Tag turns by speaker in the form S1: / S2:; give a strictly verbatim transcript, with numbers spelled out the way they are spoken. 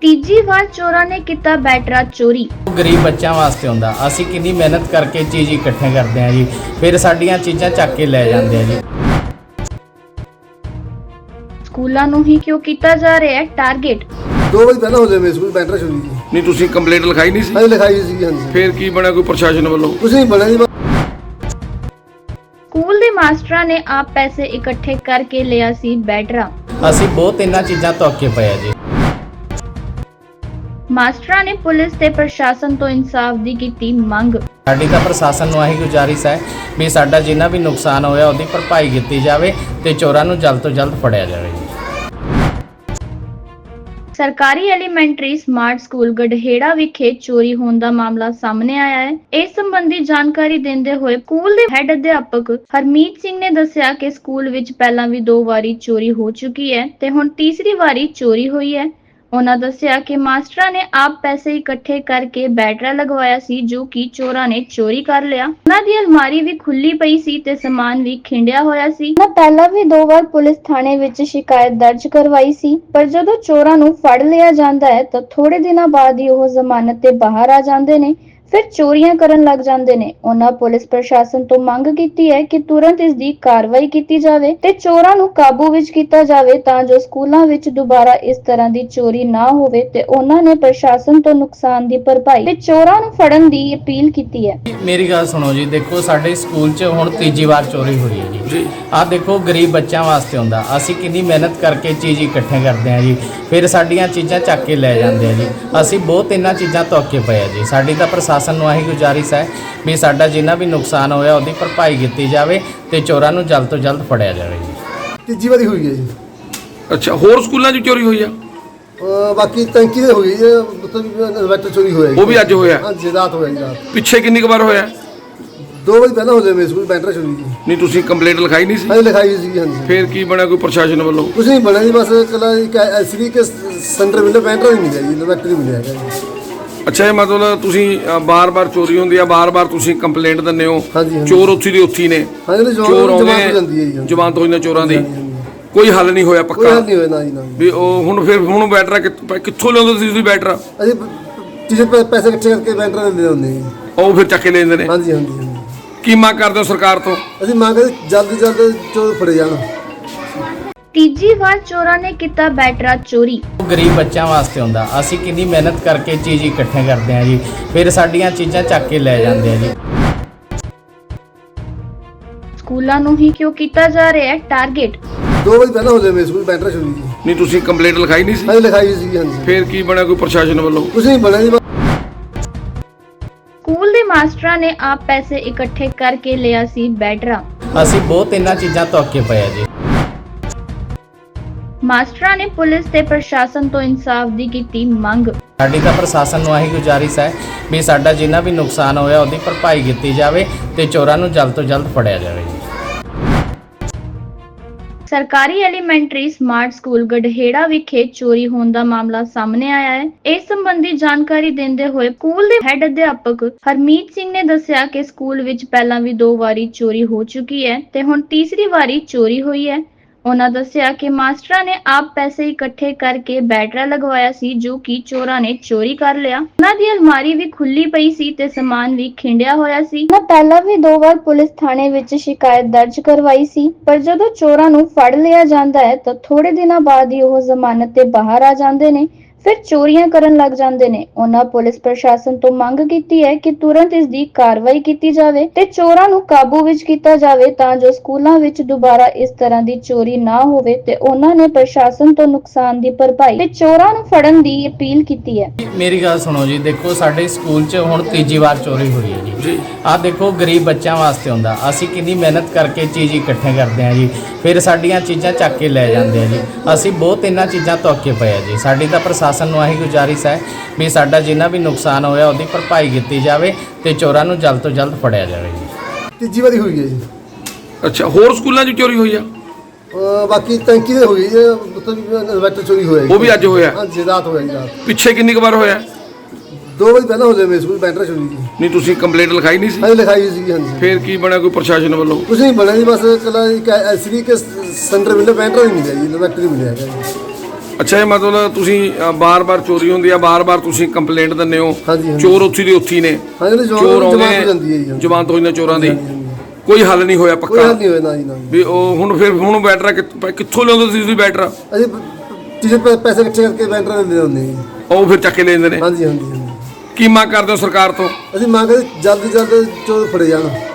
S1: ਤੀਜੀ ਵਾਰ ਚੋਰਾਂ ਨੇ ਕੀਤਾ ਬੈਟਰਾ ਚੋਰੀ।
S2: ਗਰੀਬ ਬੱਚਿਆਂ ਵਾਸਤੇ ਹੁੰਦਾ। ਅਸੀਂ ਕਿੰਨੀ ਮਿਹਨਤ ਕਰਕੇ ਚੀਜ਼ ਇਕੱਠੇ ਕਰਦੇ ਹਾਂ ਜੀ, ਫਿਰ ਸਾਡੀਆਂ ਚੀਜ਼ਾਂ ਚੱਕ ਕੇ ਲੈ ਜਾਂਦੇ ਆ ਜੀ।
S1: ਸਕੂਲਾਂ ਨੂੰ ਹੀ ਕਿਉਂ ਕੀਤਾ ਜਾ ਰਿਹਾ ਹੈ ਟਾਰਗੇਟ?
S3: दो बजे पहले हो जाए मेरे स्कूल बैटरा चोरी की।
S4: नहीं तुसी कंप्लेंट लिखाई नहीं सी?
S3: हाँ लिखाई सी। हाँ जी।
S4: फिर की बना कोई प्रशासन वालों?
S3: कुछ नहीं बना जी।
S1: ਸਕੂਲ ਦੇ ਮਾਸਟਰਾਂ ਨੇ ਆਪ ਪੈਸੇ ਇਕੱਠੇ ਕਰਕੇ ਲਿਆ ਸੀ ਬੈਟਰਾ।
S2: ਅਸੀਂ ਬਹੁਤ ਇਹਨਾਂ ਚੀਜ਼ਾਂ ਤੋਂ ਅੱਕੇ ਪਏ ਆ ਜੀ।
S1: ਮਾਸਟਰਾਂ ਨੇ ਪੁਲਿਸ ਤੇ ਪ੍ਰਸ਼ਾਸਨ ਤੋਂ ਇਨਸਾਫ ਦੀ ਕੀਤੀ ਮੰਗ।
S2: ਸਾਡੀ ਤਾਂ ਪ੍ਰਸ਼ਾਸਨ ਨੂੰ ਆਹੀ ਗੁਜ਼ਾਰਿਸ਼ ਹੈ ਵੀ ਸਾਡਾ ਜਿੰਨਾ ਵੀ ਨੁਕਸਾਨ ਹੋਇਆ ਉਹਦੀ ਭਰਪਾਈ ਕੀਤੀ ਜਾਵੇ ਤੇ ਚੋਰਾਂ ਨੂੰ ਜਲਦ ਤੋਂ ਜਲਦ ਫੜਿਆ ਜਾਵੇ ਜੀ।
S1: ਸਰਕਾਰੀ ਐਲੀਮੈਂਟਰੀ ਸਮਾਰਟ ਸਕੂਲ ਗੜਹੇੜਾ ਵਿਖੇ ਚੋਰੀ ਹੋਣ ਦਾ ਮਾਮਲਾ ਸਾਹਮਣੇ ਆਇਆ ਹੈ। ਇਸ ਸੰਬੰਧੀ ਜਾਣਕਾਰੀ ਦਿੰਦੇ ਹੋਏ ਸਕੂਲ ਦੇ ਹੈੱਡ ਅਧਿਆਪਕ ਹਰਮੀਤ ਸਿੰਘ ਨੇ ਦੱਸਿਆ ਕਿ ਸਕੂਲ ਵਿੱਚ ਪਹਿਲਾਂ ਵੀ ਦੋ ਵਾਰੀ ਚੋਰੀ ਹੋ ਚੁੱਕੀ ਹੈ ਤੇ ਹੁਣ ਤੀਸਰੀ ਵਾਰੀ ਚੋਰੀ ਹੋਈ ਹੈ। ਉਹਨਾਂ ਦੱਸਿਆ ਕਿ ਮਾਸਟਰਾਂ ਨੇ ਆਪ ਪੈਸੇ ਇਕੱਠੇ ਕਰਕੇ ਬੈਟਰਾ ਲਗਵਾਇਆ ਸੀ ਜੋ ਕਿ ਚੋਰਾਂ ਨੇ ਚੋਰੀ ਕਰ ਲਿਆ। ਉਹਨਾਂ ਦੀ ਅਲਮਾਰੀ ਵੀ ਖੁੱਲੀ ਪਈ ਸੀ ਤੇ ਸਮਾਨ ਵੀ ਖਿੰਡਿਆ ਹੋਇਆ ਸੀ। ਉਹਨਾਂ ਪਹਿਲਾਂ ਵੀ ਦੋ ਵਾਰ ਪੁਲਿਸ ਥਾਣੇ ਵਿੱਚ ਸ਼ਿਕਾਇਤ ਦਰਜ ਕਰਵਾਈ ਸੀ, ਪਰ ਜਦੋਂ ਚੋਰਾਂ ਨੂੰ ਫੜ ਲਿਆ ਜਾਂਦਾ ਹੈ ਤਾਂ ਥੋੜੇ ਦਿਨਾਂ ਬਾਅਦ ਹੀ ਉਹ ਜ਼ਮਾਨਤ ਤੇ ਬਾਹਰ ਆ ਜਾਂਦੇ ਨੇ, ਫਿਰ ਚੋਰੀਆਂ ਕਰਨ ਲੱਗ ਜਾਂਦੇ ਨੇ। ਉਹਨਾਂ ਪੁਲਿਸ ਪ੍ਰਸ਼ਾਸਨ ਤੋਂ ਮੰਗ ਕੀਤੀ ਹੈ ਕਿ ਤੁਰੰਤ ਇਸ ਦੀ ਕਾਰਵਾਈ ਕੀਤੀ ਜਾਵੇ ਤੇ ਚੋਰਾਂ ਨੂੰ ਕਾਬੂ ਵਿੱਚ ਕੀਤਾ ਜਾਵੇ ਤਾਂ ਜੋ ਸਕੂਲਾਂ ਵਿੱਚ ਦੁਬਾਰਾ ਇਸ ਤਰ੍ਹਾਂ ਦੀ ਚੋਰੀ ਨਾ ਹੋਵੇ ਤੇ ਉਹਨਾਂ ਨੇ ਪ੍ਰਸ਼ਾਸਨ ਤੋਂ ਨੁਕਸਾਨ ਦੀ ਭਰਪਾਈ ਤੇ ਚੋਰਾਂ ਨੂੰ ਫੜਨ ਦੀ ਅਪੀਲ ਕੀਤੀ ਹੈ।
S2: ਮੇਰੀ ਗੱਲ ਸੁਣੋ ਜੀ, ਦੇਖੋ ਸਾਡੇ ਸਕੂਲ 'ਚ ਹੁਣ ਤੀਜੀ ਵਾਰ ਚੋਰੀ ਹੋਈ ਹੈ ਜੀ। ਆਹ ਦੇਖੋ ਗਰੀਬ ਬੱਚਿਆਂ ਵਾਸਤੇ ਹੁੰਦਾ। ਅਸੀਂ ਕਿੰਨੀ ਮਿਹਨਤ ਕਰਕੇ ਚੀਜ਼ ਇਕੱਠੇ ਕਰਦੇ ਹਾਂ ਜੀ, ਫਿਰ ਸਾਡੀਆਂ ਚੀਜ਼ਾਂ ਚੱਕ ਕੇ ਲੈ ਜਾਂਦੇ ਆ ਜੀ। ਅਸੀਂ ਬਹੁਤ ਇਹਨਾਂ ਚੀਜ਼ਾਂ ਤੋਂ ਅੱਕੇ ਪਏ ਆ ਜੀ। ਸਾਡੀ ਤਾਂ ਪ੍ਰਸ਼ਾਸਨ ਨੂੰ ਆਹੀ ਗੁਜ਼ਾਰਿਸ਼ ਹੈ ਵੀ ਸਾਡਾ ਜਿੰਨਾ ਵੀ ਨੁਕਸਾਨ ਹੋਇਆ ਉਹਦੀ ਭਰਪਾਈ ਕੀਤੀ ਜਾਵੇ ਤੇ ਚੋਰਾਂ ਨੂੰ ਜਲਦ ਤੋਂ ਜਲਦ ਫੜਿਆ ਜਾਵੇ ਜੀ।
S3: ਤੀਜੀ ਵਾਰੀ ਹੋਈ ਹੈ ਜੀ।
S4: ਅੱਛਾ, ਹੋਰ ਸਕੂਲਾਂ 'ਚ ਚੋਰੀ ਹੋਈ ਆ?
S3: ਅਹ ਬਾਕੀ ਟੈਂਕੀ ਦੇ ਹੋਈ ਹੈ, ਮਤਲਬ ਇਨਵਰਟਰ ਚੋਰੀ ਹੋਇਆ ਜੀ।
S4: ਉਹ ਵੀ ਅੱਜ ਹੋਇਆ?
S3: ਹਾਂ ਜੀ, ਰਾਤ ਹੋਇਆ ਜੀ। ਰਾਤ
S4: ਪਿੱਛੇ ਕਿੰਨੀ ਕੁ ਵਾਰ ਹੋਇਆ?
S3: दो बजे पहले हो जाए मेरे स्कूल बैटरा चोरी की।
S4: नहीं तुसी कंप्लेंट लिखाई नहीं सी?
S3: हाँ लिखाई सी। हाँ जी।
S4: फिर की बना कोई प्रशासन वालों?
S3: कुछ नहीं बना जी, बस कल एसडी के सेंटर मिले बैटरा नहीं मिला जी, इन्वर्टर नहीं मिला है।
S4: ਅੱਛਾ, ਇਹ ਮਤਲਬ ਤੁਸੀਂ ਬਾਰ-ਬਾਰ ਚੋਰੀ ਹੁੰਦੀ ਆ, ਬਾਰ-ਬਾਰ ਤੁਸੀਂ ਕੰਪਲੇਂਟ ਦਿੰਦੇ ਹੋ?
S3: ਹਾਂਜੀ, ਹਾਂਜੀ।
S4: ਚੋਰ ਉੱਥੀ ਦੇ ਉੱਥੀ ਨੇ?
S3: ਹਾਂ ਜੀ,
S4: ਚੋਰ ਆਉਂਦੇ
S3: ਜਮਾਤ ਹੋ ਜਾਂਦੀ ਹੈ ਜੀ।
S4: ਜਮਾਤ ਹੋ ਜਾਂਦੀ ਚੋਰਾਂ ਦੀ।
S3: ਹਾਂਜੀ, ਹਾਂਜੀ।
S4: ਕੋਈ ਹੱਲ ਨਹੀਂ ਹੋਇਆ
S3: ਕੋਈ
S4: ਪੱਕਾ?
S3: ਹੱਲ ਨਹੀਂ ਹੋਇਆ ਨਾ ਜੀ ਨਾ।
S4: ਵੀ ਉਹ ਹੁਣ ਫਿਰ ਹੁਣ ਬੈਟਰਾ ਕਿੱਥੋਂ ਕਿੱਥੋਂ ਲਿਆਉਂਦੇ ਸੀ ਤੁਸੀਂ ਬੈਟਰਾ?
S3: ਅਸੀਂ ਕਿਸੇ ਪੈਸੇ ਇਕੱਠੇ ਕਰਕੇ ਬੈਟਰਾ ਲੈ ਆਉਂਦੇ ਜੀ।
S4: ਉਹ ਫਿਰ ਚੱਕ ਕੇ ਲੈ ਜਾਂਦੇ ਨੇ?
S3: ਹਾਂਜੀ ਹਾਂਜੀ ਹਾਂਜੀ।
S4: ਕੀ ਮੰਗ ਕਰਦੇ ਹੋ ਸਰਕਾਰ ਤੋਂ?
S3: ਅਸੀਂ ਮੰਗ ਕਰਦੇ ਜਲਦੀ ਜਲਦੀ ਚੋਰ ਫੜੇ ਜਾਣ।
S1: ਤੀਜੀ ਵਾਰ ਚੋਰਾਂ ਨੇ ਕੀਤਾ ਬੈਟਰਾ ਚੋਰੀ।
S2: ਗਰੀਬ ਬੱਚਿਆਂ ਵਾਸਤੇ ਹੁੰਦਾ। ਅਸੀਂ ਕਿੰਨੀ ਮਿਹਨਤ ਕਰਕੇ ਚੀਜ਼ ਇਕੱਠੇ ਕਰਦੇ ਹਾਂ ਜੀ, ਫਿਰ ਸਾਡੀਆਂ ਚੀਜ਼ਾਂ ਚੱਕ ਕੇ ਲੈ ਜਾਂਦੇ ਆ ਜੀ।
S1: ਸਕੂਲਾਂ ਨੂੰ ਹੀ ਕਿਉਂ ਕੀਤਾ ਜਾ ਰਿਹਾ ਹੈ ਟਾਰਗੇਟ?
S3: दो बजे पहले हो जाए मेरे स्कूल बैटरा चोरी की।
S4: ਨਹੀਂ ਤੁਸੀਂ ਕੰਪਲੇਂਟ ਲਿਖਾਈ ਨਹੀਂ ਸੀ?
S3: हाँ लिखाई सी। हाँ जी।
S4: ਫਿਰ ਕੀ ਬਣਾ ਕੋਈ ਪ੍ਰਸ਼ਾਸਨ ਵੱਲੋਂ?
S3: कुछ नहीं बना जी।
S1: ਸਕੂਲ ਦੇ ਮਾਸਟਰਾਂ ਨੇ ਆਪ ਪੈਸੇ ਇਕੱਠੇ ਕਰਕੇ ਲਿਆ ਸੀ ਬੈਟਰਾ।
S2: ਅਸੀਂ ਬਹੁਤ ਇਹਨਾਂ ਚੀਜ਼ਾਂ ਤੋਂ ਅੱਕੇ ਪਏ ਆ ਜੀ।
S1: ਮਾਸਟਰਾਂ ਨੇ ਪੁਲਿਸ ਤੇ ਪ੍ਰਸ਼ਾਸਨ ਤੋਂ ਇਨਸਾਫ ਦੀ ਕੀਤੀ ਮੰਗ।
S2: ਸਾਡੀ ਤਾਂ ਪ੍ਰਸ਼ਾਸਨ ਨੂੰ ਆਹੀ ਗੁਜ਼ਾਰਿਸ਼ ਹੈ ਵੀ ਸਾਡਾ ਜਿੰਨਾ ਵੀ ਨੁਕਸਾਨ ਹੋਇਆ ਉਹਦੀ ਭਰਪਾਈ ਕੀਤੀ ਜਾਵੇ ਤੇ ਚੋਰਾਂ ਨੂੰ ਜਲਦ ਤੋਂ ਜਲਦ ਫੜਿਆ ਜਾਵੇ ਜੀ।
S1: ਸਰਕਾਰੀ ਐਲੀਮੈਂਟਰੀ ਸਮਾਰਟ ਸਕੂਲ ਗੜਹੇੜਾ ਵਿਖੇ ਚੋਰੀ ਹੋਣ ਦਾ ਮਾਮਲਾ ਸਾਹਮਣੇ ਆਇਆ ਹੈ। ਇਸ ਸੰਬੰਧੀ ਜਾਣਕਾਰੀ ਦਿੰਦੇ ਹੋਏ ਸਕੂਲ ਦੇ ਹੈੱਡ ਅਧਿਆਪਕ ਹਰਮੀਤ ਸਿੰਘ ਨੇ ਦੱਸਿਆ ਕਿ ਸਕੂਲ ਵਿੱਚ ਪਹਿਲਾਂ ਵੀ ਦੋ ਵਾਰੀ ਚੋਰੀ ਹੋ ਚੁੱਕੀ ਹੈ ਤੇ ਹੁਣ ਤੀਸਰੀ ਵਾਰੀ ਚੋਰੀ ਹੋਈ ਹੈ। ਉਹਨਾਂ ਦੱਸਿਆ ਕਿ ਮਾਸਟਰਾਂ ਨੇ ਆਪ ਪੈਸੇ ਇਕੱਠੇ ਕਰਕੇ ਬੈਟਰਾ ਲਗਵਾਇਆ ਸੀ ਜੋ ਕਿ ਚੋਰਾਂ ਨੇ ਚੋਰੀ ਕਰ ਲਿਆ। ਉਹਨਾਂ ਦੀ ਅਲਮਾਰੀ ਵੀ ਖੁੱਲੀ ਪਈ ਸੀ ਤੇ ਸਮਾਨ ਵੀ ਖਿੰਡਿਆ ਹੋਇਆ ਸੀ। ਉਹਨਾਂ ਪਹਿਲਾਂ ਵੀ ਦੋ ਵਾਰ ਪੁਲਿਸ ਥਾਣੇ ਵਿੱਚ ਸ਼ਿਕਾਇਤ ਦਰਜ ਕਰਵਾਈ ਸੀ, ਪਰ ਜਦੋਂ ਚੋਰਾਂ ਨੂੰ ਫੜ ਲਿਆ ਜਾਂਦਾ ਹੈ ਤਾਂ ਥੋੜੇ ਦਿਨਾਂ ਬਾਅਦ ਹੀ ਉਹ ਜ਼ਮਾਨਤ ਤੇ ਬਾਹਰ ਆ ਜਾਂਦੇ ਨੇ, ਫਿਰ ਚੋਰੀਆਂ ਕਰਨ ਲੱਗ ਜਾਂਦੇ ਨੇ। ਉਹਨਾਂ ਪੁਲਿਸ ਪ੍ਰਸ਼ਾਸਨ ਤੋਂ ਮੰਗ ਕੀਤੀ ਹੈ ਕਿ ਤੁਰੰਤ ਇਸ ਦੀ ਕਾਰਵਾਈ ਕੀਤੀ ਜਾਵੇ ਤੇ ਚੋਰਾਂ ਨੂੰ ਕਾਬੂ ਵਿੱਚ ਕੀਤਾ ਜਾਵੇ ਤਾਂ ਜੋ ਸਕੂਲਾਂ ਵਿੱਚ ਦੁਬਾਰਾ ਇਸ ਤਰ੍ਹਾਂ ਦੀ ਚੋਰੀ ਨਾ ਹੋਵੇ ਤੇ ਉਹਨਾਂ ਨੇ ਪ੍ਰਸ਼ਾਸਨ ਤੋਂ ਨੁਕਸਾਨ ਦੀ ਭਰਪਾਈ ਤੇ ਚੋਰਾਂ ਨੂੰ ਫੜਨ ਦੀ ਅਪੀਲ ਕੀਤੀ ਹੈ।
S2: ਮੇਰੀ ਗੱਲ ਸੁਣੋ ਜੀ, ਦੇਖੋ ਸਾਡੇ ਸਕੂਲ 'ਚ ਹੁਣ ਤੀਜੀ ਵਾਰ ਚੋਰੀ ਹੋਈ ਹੈ ਜੀ। ਆਹ ਦੇਖੋ ਗਰੀਬ ਬੱਚਿਆਂ ਵਾਸਤੇ ਹੁੰਦਾ। ਅਸੀਂ ਕਿੰਨੀ ਮਿਹਨਤ ਕਰਕੇ ਚੀਜ਼ ਇਕੱਠੇ ਕਰਦੇ ਹਾਂ ਜੀ, ਫਿਰ ਸਾਡੀਆਂ ਚੀਜ਼ਾਂ ਚੱਕ ਕੇ ਲੈ ਜਾਂਦੇ ਆ ਜੀ। ਅਸੀਂ ਬਹੁਤ ਇਹਨਾਂ ਚੀਜ਼ਾਂ ਤੋਂ ਅੱਕੇ ਪਏ ਆ ਜੀ। ਸਾਡੀ ਤਾਂ ਪ੍ਰਸ਼ਾਸਨ ਨੂੰ ਆਹੀ ਗੁਜ਼ਾਰਿਸ਼ ਹੈ ਵੀ ਸਾਡਾ ਜਿੰਨਾ ਵੀ ਨੁਕਸਾਨ ਹੋਇਆ ਉਹਦੀ ਭਰਪਾਈ ਕੀਤੀ ਜਾਵੇ ਤੇ ਚੋਰਾਂ ਨੂੰ ਜਲਦ ਤੋਂ ਜਲਦ ਫੜਿਆ ਜਾਵੇ ਜੀ।
S3: ਤੀਜੀ ਵਾਰੀ ਹੋਈ ਹੈ ਜੀ।
S4: ਅੱਛਾ, ਹੋਰ ਸਕੂਲਾਂ 'ਚ ਚੋਰੀ ਹੋਈ ਆ?
S3: ਅਹ ਬਾਕੀ ਟੈਂਕੀ ਦੇ ਹੋਈ ਹੈ, ਮਤਲਬ ਇਨਵਰਟਰ ਚੋਰੀ ਹੋਇਆ ਜੀ।
S4: ਉਹ ਵੀ ਅੱਜ ਹੋਇਆ?
S3: ਹਾਂ ਜੀ, ਰਾਤ ਹੋਇਆ ਜੀ। ਰਾਤ
S4: ਪਿੱਛੇ ਕਿੰਨੀ ਕੁ ਵਾਰ ਹੋਇਆ?
S3: दो बजे पहले हो जाए मेरे स्कूल बैटरा चोरी की।
S4: ਨਹੀਂ ਤੁਸੀਂ ਕੰਪਲੇਂਟ ਲਿਖਾਈ ਨਹੀਂ ਸੀ?
S3: हाँ लिखाई सी। हाँ जी।
S4: ਫਿਰ ਕੀ ਬਣਾ ਕੋਈ ਪ੍ਰਸ਼ਾਸਨ ਵੱਲੋਂ?
S3: कुछ नहीं बना जी, बस कल एसडी के सेंटर मिले बैटरा नहीं मिला जी, इन्वर्टर नहीं मिला है।
S4: ਅੱਛਾ ਇਹ ਮਤਲਬ ਤੁਸੀਂ ਬਾਰ-ਬਾਰ ਚੋਰੀ ਹੁੰਦੀ ਆ ਬਾਰ-ਬਾਰ ਤੁਸੀਂ ਕੰਪਲੇਂਟ ਦਿੰਦੇ ਹੋ
S3: ਹਾਂਜੀ, ਹਾਂਜੀ।
S4: ਚੋਰ ਉੱਥੀ ਦੇ ਉੱਥੀ ਨੇ
S3: ਹਾਂ ਜੀ
S4: ਚੋਰ ਆਉਂਦੇ
S3: ਜਮਾਤ ਹੋ ਜਾਂਦੀ ਹੈ ਜੀ
S4: ਨੇ ਜਮਾਨਤ ਹੋ ਜਾਂਦੀ ਚੋਰਾਂ ਦੀ
S3: ਹਾਂਜੀ, ਹਾਂਜੀ।
S4: ਕੋਈ ਹੱਲ ਨਹੀਂ ਹੋਇਆ
S3: ਕੋਈ
S4: ਪੱਕਾ
S3: ਹੱਲ ਨਹੀਂ ਹੋਇਆ ਨਾ ਜੀ ਨਾ ਜੀ।
S4: ਵੀ ਉਹ ਹੁਣ ਫਿਰ ਹੁਣ ਬੈਟਰਾ ਕਿੱਥ- ਕਿੱਥੋਂ ਲਿਆਉਂਦੇ ਤੁਸੀਂ ਤੁਸੀਂ ਬੈਟਰਾ
S3: ਅਸੀਂ ਟੀਚਰ ਪੈ- ਪੈਸੇ ਇਕੱਠੇ ਕਰਕੇ ਬੈਂਕਾਂ ਦੇ ਆਉਂਦੇ ਜੀ।
S4: ਉਹ ਫਿਰ ਚੱਕ ਕੇ ਲੈ ਜਾਂਦੇ ਨੇ
S3: ਹਾਂਜੀ ਹਾਂਜੀ ਹਾਂਜੀ।
S4: ਕੀ ਮੰਗ ਕਰਦੇ ਹੋ ਸਰਕਾਰ ਤੋਂ
S3: ਅਸੀਂ ਮੰਗਦੇ ਜਲਦੀ ਜਲਦੀ ਚੋਰ ਫੜੇ ਜਾਣ।